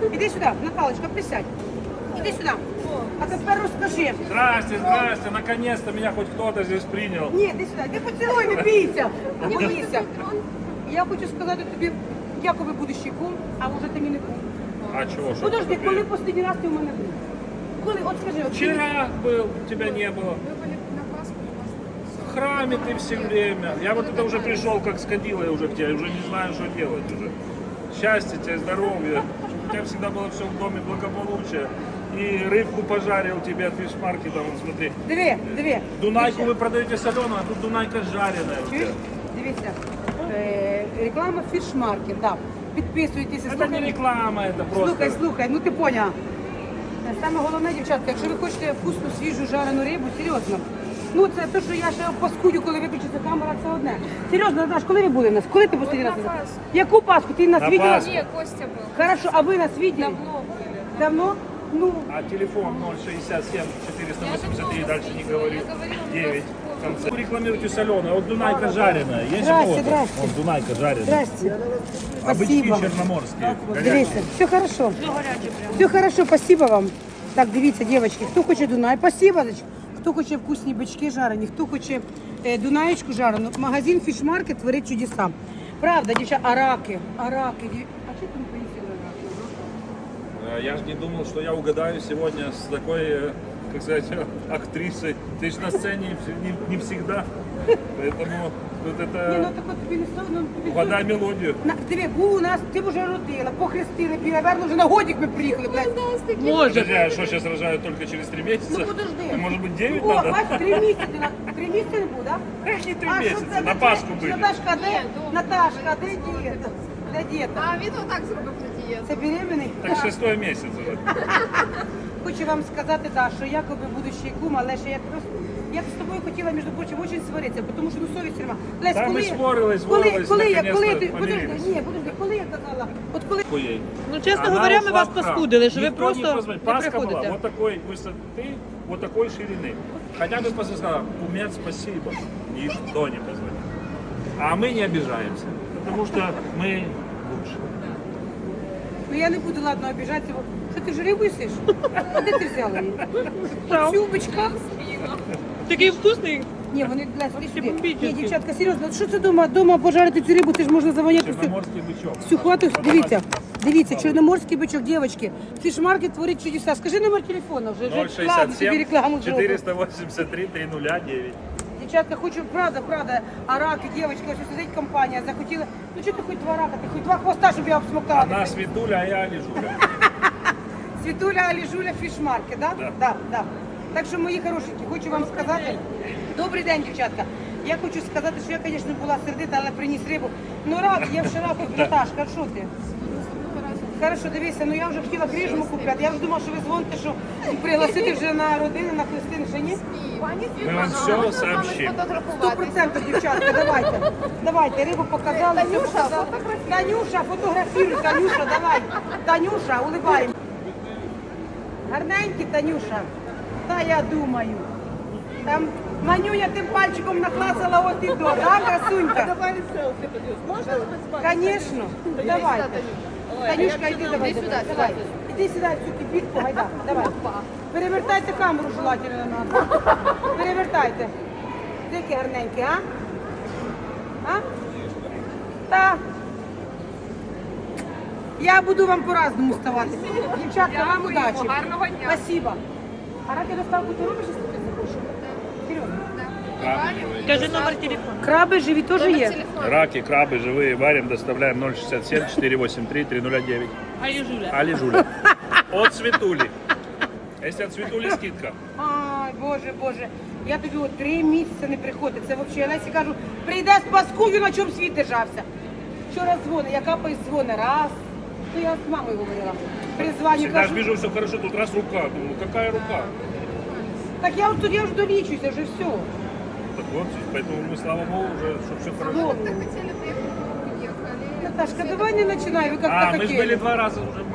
Іди сюди, Наталочка, присядь. Іди сюди. А тепер розкажи. Здрасте, здрасте, наконец-то меня хоть кто-то здесь принял. Ні, іди сюди, ти поцілуй, не бійся. Не бійся. Я хочу сказати тобі, якоби будущий кум, а вже ти мені не кум. А чего? Что Подожди, такое? коли останній раз ти у мене був? Коли, от скажи, от Вчера был, тебя не было. В храме ты все время. Я вот это уже пришел как с кадилой уже к тебе, уже не знаю, что делать уже. Счастья тебе, здоровья. У тебя всегда было все в доме благополучие. И рыбку пожарил тебе от фишмаркета, вон смотри. диви. Дунайку вы продаете соленую, а тут Дунайка жареная у Чуєш? тебя. Дивіться, реклама фішмаркет, так. Підписуйтесь. Это не реклама, это просто... Слухай, ну ти поняла. Саме головне, дівчатка, якщо ви хочете вкусну, свіжу, жарену рибу, серйозно. Ну це те, що я ще паскудю, коли виключиться камера, це одне. Серйозно, Наташ, коли ви були в нас? Коли ти останній раз? Яку Пасху? Ти нас На видела? Пасху. Не, Костя был. Хорошо, а ви нас видели? Давно были. Давно? Ну, А телефон 067 483, дальше не говорю, 9 в конце. Вы рекламируете соленое, а вот Дунайка жареная. Есть Здрасте, у кого-то? здрасте. Вот Дунайка жареная. здрасте. А бычки Спасибо. черноморские. Дивіться, все хорошо. Все хорошо, спасибо вам. Так, дивіться, дівчатки, хто хоче Дунай, спасибо. Хто хоче вкусні бички жарені, хто хоче Дунаєчку жарену. Магазин Фішмаркет творить чудеса. Правда, дівчата, араки. А чого ти не поїсила араки? Я же не думал, что я угадаю сегодня с такой, как сказать, актрисой. Ты же на сцене не всегда. Поэтому тут Ні, ну это так от тобі не соромно. угадай мелодию. Диви, був у нас, ти вже родила, похрестили, наверное, вже на годик ми приїхали. блядь. Подожди, а что сейчас рожают только через 3 месяца? Ну подожди. Может быть 9 О, надо? бачиш, 3 місяці. 3 місяці не буде, а? Какие 3 А що месяца? це? На Пасху были. Наташка, де? Ні, дома. Наташка, де дієта? Де дієта? А він отак зробив на дієту. Це беременний? Так 6-й месяц уже. Хочу вам сказати, да, що якоби будущий кум, але ще я б з тобою хотіла, між прочим, дуже сваритися, тому що ну совість нема. Лесь, Та ми коли сварились, наконец-то помирились. подожди, коли я казала, от коли Ей. Ну, чесно Она говоря, ми ушла вас в храм. паскудили, що ви Никто не просто позвонит. не Пасха была приходите. вот такой высоты, вот такой ширины. Хотя бы просто сказала, кумец, спасибо. Никто не позвонил. А мы не обижаемся, потому что мы лучше. ну я не буду, ладно, обіжатися. Що ти вже рибу їсиш? А де ти взяла її? Цю бичка? Такий вкусний. Ні, вони для сюди. бомбічні. Ні, дівчатка, серйозно, що це дома пожарити цю рибу, ти ж можна завоняти всю. Черноморский бычок. Всю хвату, дивіться, чорноморський бичок, дівчатки. Фішмаркет творить чудеса. Скажи номер телефону вже. Ладно, тобі 067 рекламу зроблю. 483 309. Дівчатка, хочу, правда, а раки, дівчатки, ось сидить компанія, захотіла. Ну чого ти хоч 2 рака, ти хоч 2 хвоста, щоб я обсмоктала. Она Светуля, а я Алижуля. Світуля, Аліжуля, фішмаркет, да? Да. Да. Так що, мої хорошенькі, хочу вам сказати, добрий день, дівчатка. Я хочу сказати, що я, звісно, була сердита, але приніс рибу. Ну, рак, я вже раку, Наташка, що ти? Хорошо, дивися, ну я вже хотіла крижму купляти. Я вже думала, що ви дзвоните, що пригласити вже на родини, на хрестини, ще ні? Мы вам все сообщим. 100%, дівчатка, давайте, рибу показали, все показали. Танюша, фотографіруй, Танюша, давай. Танюша, улибаємо. Гарненькі, Танюша. Та я думаю. Там Манюня тим пальчиком наклацала от і до, да, красунька? Давай селфі тоді. Можна без Звісно, давайте. Танюшка, йди давай. Іди сюди в цю кипітку, гайда, давай. Перевертайте камеру желательно на нас. Перевертайте. Дикі гарненькі, а? А? Та. Я буду вам по-разному ставати. Дівчатка, вам удачі. Гарного дня. Спасибо. А раки доставку ти робиш, якщо ти захочеш? Серйозно. Кажи номер телефону. Краби живі теж є. Раки, крабы живые варим, доставляем 067 483 309. Алі Жуля. Али Жуля. От Светули. Если от Светули скидка. Ай, Боже. Я тобі от 3 місяці не приходить. Це взагалі, я Лесі кажу, прийде з паскудю, на чому світ держався. Вчора дзвони, я капаю дзвони, раз. Ну, я з мамою говорила. Призванню Всегда же кажу, вижу все хорошо, тут раз рука. Думаю, какая рука? так я от тут я вже долічуся, вже все. Так вот, поэтому мы, слава богу, уже, чтобы все хорошо. Хотели приехать, уехали. Наташка, давай не починай, ви як А, то мы же были хотіли. 2 раза уже